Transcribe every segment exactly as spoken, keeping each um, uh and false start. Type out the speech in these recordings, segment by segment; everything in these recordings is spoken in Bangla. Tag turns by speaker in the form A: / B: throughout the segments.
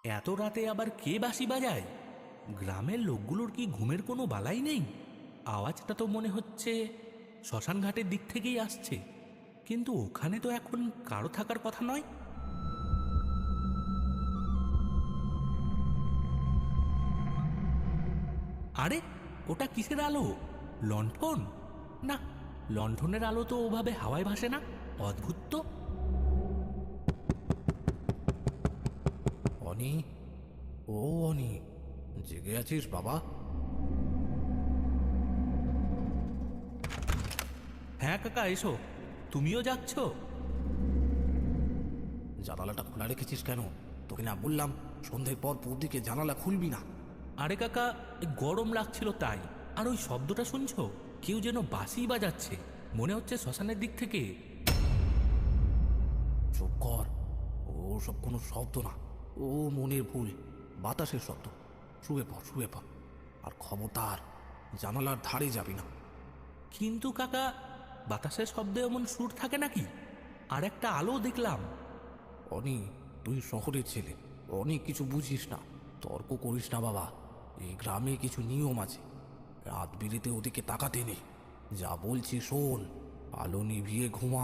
A: এত রাতে আবার কে বাঁশি বাজায়? গ্রামের লোকগুলোর কি ঘুমের কোনো বালাই নেই? আওয়াজটা তো মনে হচ্ছে শ্মশান ঘাটের দিক থেকেই আসছে, কিন্তু ওখানে তো এখন কারো থাকার কথা নয়। আরে, ওটা কিসের আলো? লণ্ঠন? না, লণ্ঠনের আলো তো ওভাবে হাওয়ায় ভাসে না। অদ্ভুত তো।
B: অনি, ও অনি, জেগে আছিস বাবা?
A: হ্যাঁ কাকা, এসো। তুমিও যাচ্ছ?
B: জানালাটা খোলা রেখেছিস কেন? তোকে না বললাম সন্ধ্যের পর পৌদিকে জানালা খুলবি না?
A: আরে কাকা, এই গরম লাগছিল তাই। আর ওই শব্দটা শুনছো? কেউ যেন বাঁশি বাজাচ্ছে, মনে হচ্ছে শ্মশানের দিক থেকে।
B: চুপ কর, ও সব কোনো শব্দ না, ও মনের ভুল, বাতাসের শব্দ। শুয়ে পড়, শুয়ে পড়, আর খবরদার জানালার ধারে যাবি না।
A: কিন্তু কাকা, বাতাসের শব্দে এমন সুর থাকে নাকি? আর একটা আলো দেখলাম।
B: অনি, তুই শহরের ছেলে, অনেক কিছু বুঝিস না। তর্ক করিস না বাবা। এই গ্রামে কিছু নিয়ম আছে, রাত বিরেতে ওদিকে তাকাতে নেই। যা বলছি শোন, আলো নিভিয়ে ঘুমা।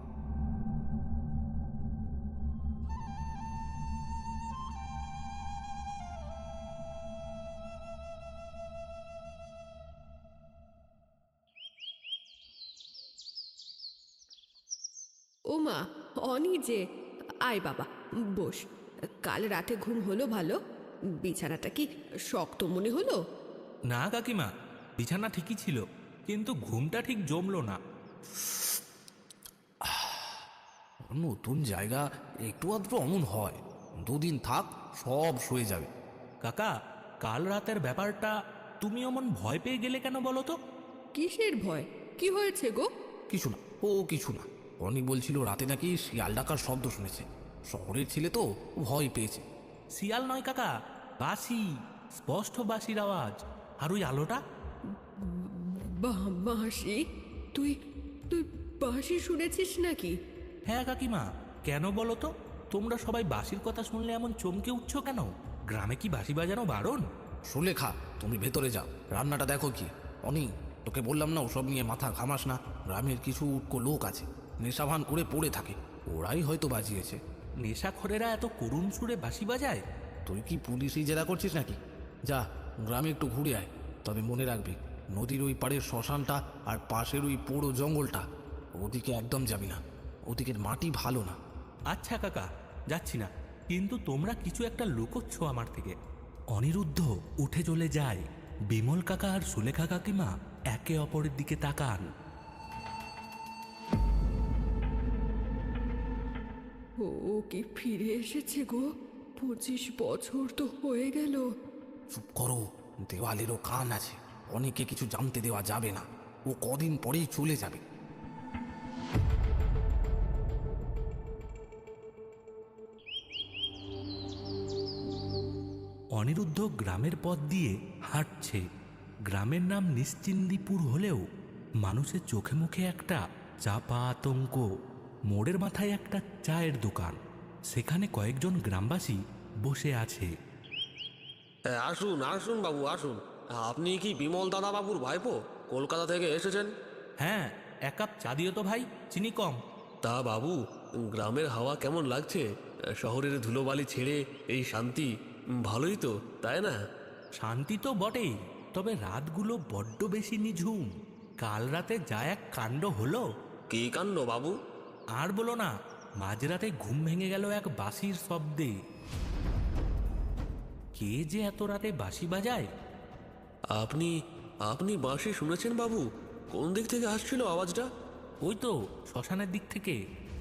C: ওমা, অনি যে, আয় বাবা, বস। কাল রাতে ঘুম হলো ভালো? বিছানাটা কি শক্ত মনে হলো?
A: না কাকিমা, বিছানা ঠিকই ছিল, কিন্তু ঘুমটা ঠিক জমলো না।
B: নতুন জায়গা, একটু আধটু অমন হয়। দুদিন থাক, সব সয়ে যাবে।
A: কাকা, কাল রাতের ব্যাপারটা তুমি অমন ভয় পেয়ে গেলে কেন বলো তো?
C: কিসের ভয়? কি হয়েছে গো?
B: কিছু না, ও কিছু না। অনি বলছিল রাতে নাকি শিয়াল ডাকার শব্দ শুনেছে। শহরের ছেলে তো, ভয় পেয়েছে।
A: শিয়াল নয় কাকা, বাঁশি, স্পষ্ট বাঁশির আওয়াজ। আর ওই আলোটা?
C: বা- বাঁশি? তুই তুই বাঁশি শুনেছিস নাকি?
A: হ্যাঁ কাকিমা, কেন বলো তো? তোমরা সবাই বাঁশির কথা শুনলে এমন চমকে উঠছো কেন? গ্রামে কি বাঁশি বাজানো বারণ?
B: সুলেখা, তুমি ভেতরে যাও, রান্নাটা দেখো কি। অনি, তোকে বললাম না ওসব নিয়ে মাথা ঘামাস না। গ্রামের কিছু উটকো লোক আছে, নেশাভান করে পড়ে থাকে, ওরাই হয়তো বাজিয়েছে।
A: নেশাখোরেরা এত করুণ সুরে বাঁশি বাজায়?
B: তুই কি পুলিশই জেরা করছিস নাকি? যা, গ্রামে একটু ঘুরে আয়। তবে মনে রাখবি, নদীর ওই পাড়ের শ্মশানটা আর পাশের ওই পোড়ো জঙ্গলটা, ওদিকে একদম যাবি না। ওদিকের মাটি ভালো না।
A: আচ্ছা কাকা, যাচ্ছি না, কিন্তু তোমরা কিছু একটা লুকোচ্ছ আমার থেকে। অনিরুদ্ধ উঠে চলে যায়। বিমল কাকা আর সুলেখা কাকিমা একে অপরের দিকে তাকান।
C: ও ও কি ফিরে এসেছে গো? পঁচিশ বছর তো হয়ে গেল।
B: চুপ করো, দেওয়ালেরও কান আছে। অনেকে কিছু জানতে দেওয়া যাবে না, ও কদিন পরেই চলে যাবে।
A: অনিরুদ্ধ গ্রামের পথ দিয়ে হাঁটছে। গ্রামের নাম নিশ্চিন্দিপুর হলেও মানুষের চোখে মুখে একটা চাপা আতঙ্ক। মোড়ের মাথায় একটা চায়ের দোকান, সেখানে কয়েকজন গ্রামবাসী বসে আছে।
D: হ্যাঁ, আসুন আসুন বাবু আসুন। আপনি কি বিমল দাদা বাবুর ভাইপো? কলকাতা থেকে এসেছেন?
A: হ্যাঁ, এক কাপ চা দিও তো ভাই, চিনি কম।
D: তা বাবু, গ্রামের হাওয়া কেমন লাগছে? শহরের ধুলোবালি ছেড়ে এই শান্তি, ভালোই তো, তাই না?
A: শান্তি তো বটেই, তবে রাতগুলো বড্ড বেশি নিঝুম। কাল রাতে যা এক কাণ্ড হলো!
D: কি কাণ্ড বাবু?
A: আর বলো না, মাঝরাতে ঘুম ভেঙে গেল এক বাঁশির শব্দে। কে যে এত রাতে বাঁশি বাজায়?
D: আপনি আপনি বাঁশি শুনেছেন বাবু? কোন দিক থেকে আসছিল আওয়াজটা?
A: ওই তো শ্মশানের দিক থেকে।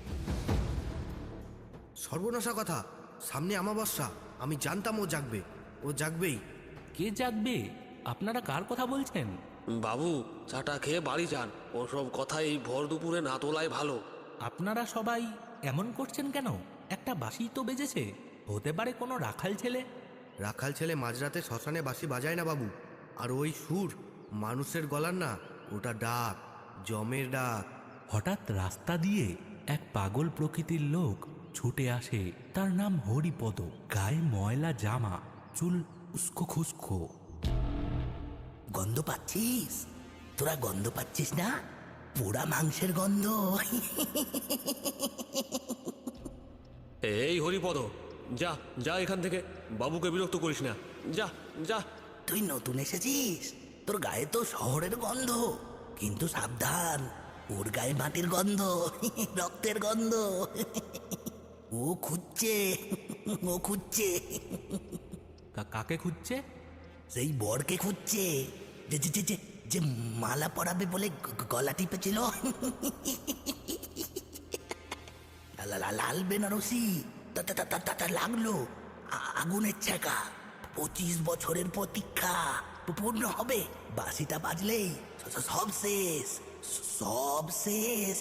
E: সর্বনাশা কথা, সামনে অমাবস্যা। আমি জানতাম ও জাগবে, ও জাগবেই।
A: কে জাগবে? আপনারা কার কথা বলছেন?
D: বাবু, চাটা খেয়ে বাড়ি যান। ওসব কথা এই ভর দুপুরে না তোলাই ভালো।
A: আপনারা সবাই এমন করছেন কেন? একটা বাঁশি তো বেজেছে, হতে পারে কোনো রাখাল ছেলে।
E: রাখাল ছেলে মাঝরাতে শ্মশানে বাঁশি বাজায় না বাবু। আর ওই সুর মানুষের গলার না, ওটা ডাক, জমের ডাক।
A: হঠাৎ রাস্তা দিয়ে এক পাগল প্রকৃতির লোক ছুটে আসে। তার নাম হরিপদ, গায়ে ময়লা জামা, চুল উস্কো খুস্কো।
F: গন্ধ পাচ্ছিস? তোরা গন্ধ পাচ্ছিস না? পোড়া মাংসের গন্ধ।
D: এই হরিপদ, যা যা এখান থেকে, বাবুকে বিরক্ত করিস না, যা যা।
F: তুই নতুন এসেছিস, তোর গায়ে তো শহরের গন্ধ, কিন্তু সাবধান, ওর গায়ে মাটির গন্ধ, রক্তের গন্ধ। ও খুঁজছে, ও খুঁজছে,
A: কা- কাকে খুঁজছে?
F: সেই বরকে খুঁজছে, যে যে যে- যে যে মালা পরাবে বলে গ- গ- গলা টিপেছিল। লা- লা- লাল বেনারসি, তা- তা- তা- তা- তা- তা লাগলো আ- আগুনের ছাকা। পঁচিশ বছরের প্রতীক্ষা পূর্ণ হবে, বাঁশিটা বাজলেই স- স- সব শেষ, সব শেষ।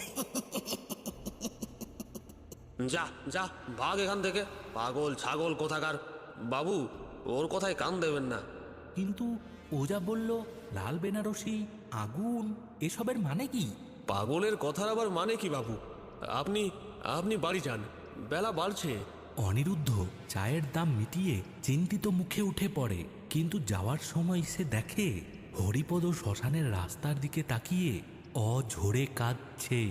D: যা যা, ভাগ এখান থেকে, পাগল ছাগল কোথাকার। বাবু, ওর কথায় কান দেবেন না।
A: কিন্তু ও যা বলল লাল বেনারসি, আগুন, এসবের মানে কি?
D: পাগলের কথার আবার মানে কি বাবু? আপনি আপনি বাড়ি যান, বেলা বাড়ছে।
A: অনিরুদ্ধ চায়ের দাম মিটিয়ে চিন্তিত মুখে উঠে পড়ে, কিন্তু যাওয়ার সময় সে দেখে হরিপদ শ্মশানের রাস্তার দিকে তাকিয়ে অঝরে কাঁদছে।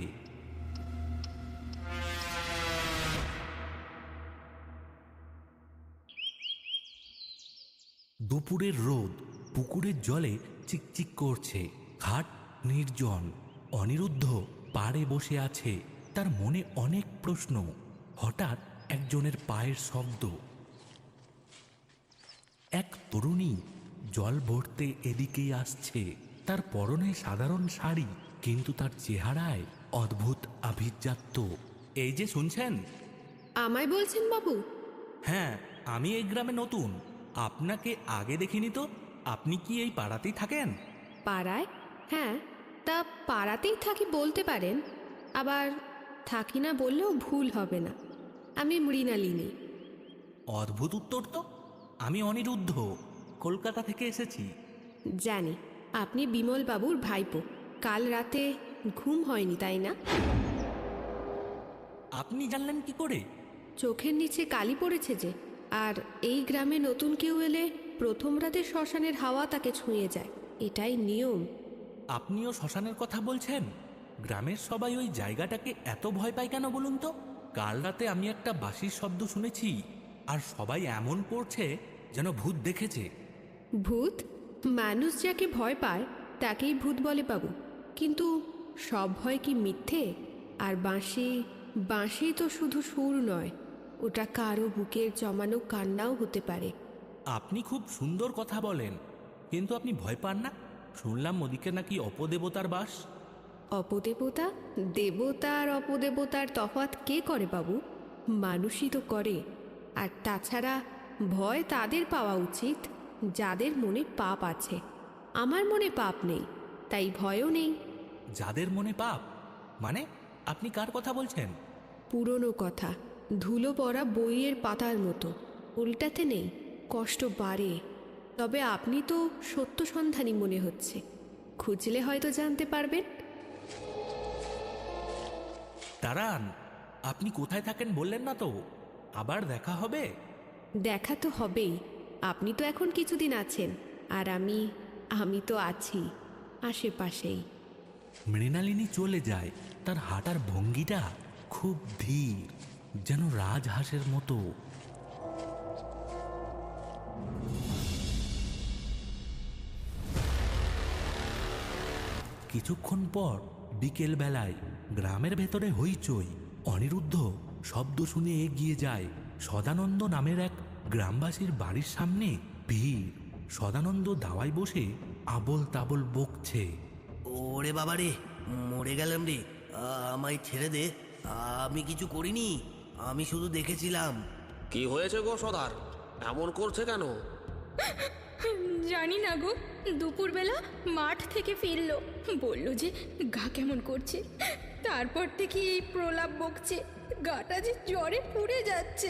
A: দুপুরের রোদ পুকুরের জলে চিকচিক করছে, ঘাট নির্জন। অনিরুদ্ধ পাড়ে বসে আছে, তার মনে অনেক প্রশ্ন। হঠাৎ একজনের পায়ের শব্দ। এক তরুণী জল ভরতে এদিকেই আসছে। তার পরনে সাধারণ শাড়ি, কিন্তু তার চেহারায় অদ্ভুত আভিজাত্য। এই যে শুনছেন?
C: আমায় বলছেন বাবু?
A: হ্যাঁ, আমি এই গ্রামে নতুন, আপনাকে আগে দেখিনি তো। আপনি কি এই পাড়াতেই থাকেন?
C: পাড়ায়? হ্যাঁ, তা পাড়াতেই থাকি বলতে পারেন, আবার থাকি না বললেও ভুল হবে না। আমি মৃণালিনী।
A: অদ্ভুত উত্তর তো। আমি অনিরুদ্ধ, কলকাতা থেকে এসেছি।
C: জানি আপনি বিমল বাবুর ভাইপো। কাল রাতে ঘুম হয়নি তাই না?
A: আপনি জানলেন কি করে?
C: চোখের নিচে কালি পড়েছে যে। আর এই গ্রামে নতুন কেউ এলে প্রথম রাতে শ্মশানের হাওয়া তাকে ছুঁয়ে যায়, এটাই নিয়ম।
A: আপনিও শ্মশানের কথা বলছেন? গ্রামের সবাই ওই জায়গাটাকে এত ভয় পায় কেন বলুন তো? কাল রাতে আমি একটা বাঁশির শব্দ শুনেছি, আর সবাই এমন করছে যেন ভূত দেখেছে।
C: ভূত? মানুষ যাকে ভয় পায় তাকেই ভূত বলে বাবু। কিন্তু সব ভয় কি মিথ্যে? আর বাঁশি, বাঁশি তো শুধু সুর নয়, ওটা কারো বুকের জমানো কান্নাও হতে পারে।
A: আপনি খুব সুন্দর কথা বলেন, কিন্তু আপনি ভয় পান না? শুনলাম ওদিকে নাকি অপদেবতার বাস।
C: অপদেবতা, দেবতা আর অপদেবতার তফাৎ কে করে বাবু? মানুষই তো করে। আর তাছাড়া ভয় তাদের পাওয়া উচিত যাদের মনে পাপ আছে। আমার মনে পাপ নেই, তাই ভয়ও নেই।
A: যাদের মনে পাপ মানে? আপনি কার কথা বলছেন?
C: পুরনো কথা, ধুলো পড়া বইয়ের পাতার মতো, উল্টাতে নেই, কষ্ট বাড়ে। তবে আপনি তো সত্য সন্ধানী মনে হচ্ছে, খুঁজলে হয়তো জানতে পারবেন।
A: দাঁড়ান, আপনি কোথায় থাকেন বললেন না তো? আবার দেখা হবে?
C: দেখা তো হবেই। আপনি তো এখন কিছুদিন আছেন, আর আমি আমি তো আছি আশেপাশেই।
A: মৃণালিনী চলে যায়। তার হাঁটার ভঙ্গিটা খুব ধীর, যেন রাজহাঁসের মতো। কিছুক্ষণ পর বিকেল বেলায় গ্রামের ভেতরে হইচই। অনিরুদ্ধ শব্দ শুনে এগিয়ে যায়। সদানন্দ নামের এক গ্রামবাসীর বাড়ির সামনে ভিড়। সদানন্দ দাওয়ায় বসে আবল তাবল বকছে।
E: ওরে বাবা রে, মরে গেলাম রে, আমায় ছেড়ে দে, আমি কিছু করিনি, আমি শুধু দেখেছিলাম।
D: কি হয়েছে গো সদার, এমন করছে কেন?
G: জানি না গো, দুপুরবেলা মাঠ থেকে ফিরলো, বলল যে গা কেমন করছে। তারপর থেকে এই প্রলাপ বকছে, গাটা যে জ্বরে পুড়ে যাচ্ছে।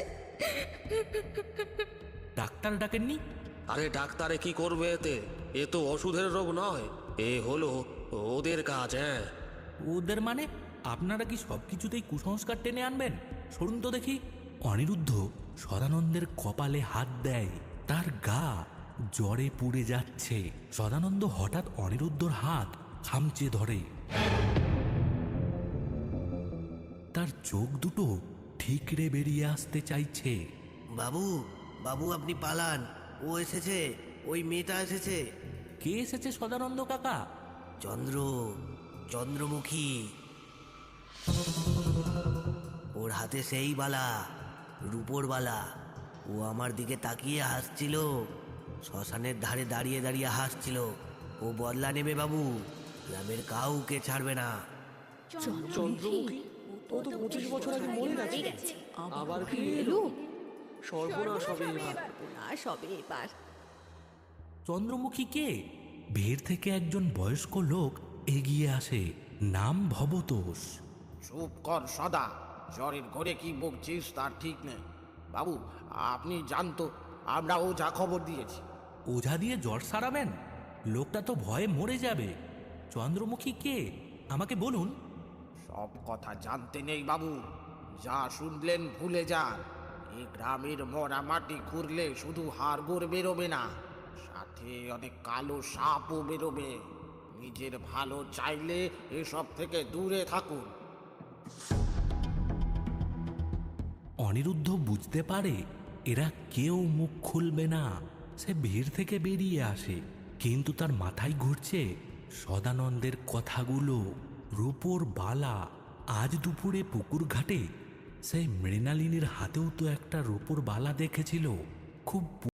A: ডাক্তার ডাকেননি?
D: আরে ডাক্তারে কি করবে এতে? এ তো ওষুধের রোগ নয়, এ হলো ওদের কাজ। হ্যাঁ,
A: ওদের মানে? আপনারা কি সব কিছুতেই কুসংস্কার টেনে আনবেন? সরুন তো দেখি। অনিরুদ্ধ সদানন্দের কপালে হাত দেয়। তার গা জ্বরে পুড়ে যাচ্ছে। সদানন্দ হঠাৎ অনিরুদ্ধর হাত খামচে ধরে। তার চোখ দুটো ঠিকরে বেরিয়ে আসতে চাইছে।
E: বাবু বাবু আপনি পালান, ও এসেছে, ওই মেয়েটা এসেছে।
A: কে এসেছে সদানন্দ কাকা?
E: চন্দ্র, চন্দ্রমুখী। ওর হাতে সেই বালা, রূপোর বালা। ও আমার দিকে তাকিয়ে হাসছিল, শ্মশানের ধারে দাঁড়িয়ে দাঁড়িয়ে হাসছিল। ও বদলা নেবে বাবু, গ্রামের কাউকে ছাড়বে না।
D: চন্দ্রমুখী ও তো পঁচিশ বছর আগে মরে গেছে, আবার কি এলো? সর্বনাশ হবে এবার।
C: সবে এবার
A: চন্দ্রমুখী কে? ভিড় থেকে একজন বয়স্ক লোক এগিয়ে আসে। নাম ভবতোষ।
B: চুপ কর সদা, জ্বরের ঘরে কি বকছিস তার ঠিক নেই। বাবু আপনি জানতো, আমরাও যা খবর দিয়েছি।
A: ওঝা দিয়ে জ্বর সারাবেন? লোকটা তো ভয়ে মরে যাবে। চন্দ্রমুখী কে আমাকে বলুন।
B: সব কথা জানতে নেই বাবু, যা শুনলেন ভুলে যান। এই গ্রামের মরা মাটি খুঁড়লে শুধু হাড়গোড় বেরোবে না, সাথে অনেক কালো সাপও বেরোবে। নিজের ভালো চাইলে এসব থেকে দূরে থাকুন।
A: অনিরুদ্ধ বুঝতে পারে এরা কেউ মুখ খুলবে না। সে ভিড় থেকে বেরিয়ে আসে, কিন্তু তার মাথায় ঘুরছে সদানন্দের কথাগুলো। রূপোর বালা। আজ দুপুরে পুকুর ঘাটে সেই মৃণালিনীর হাতেও তো একটা রূপোর বালা দেখেছিল। খুব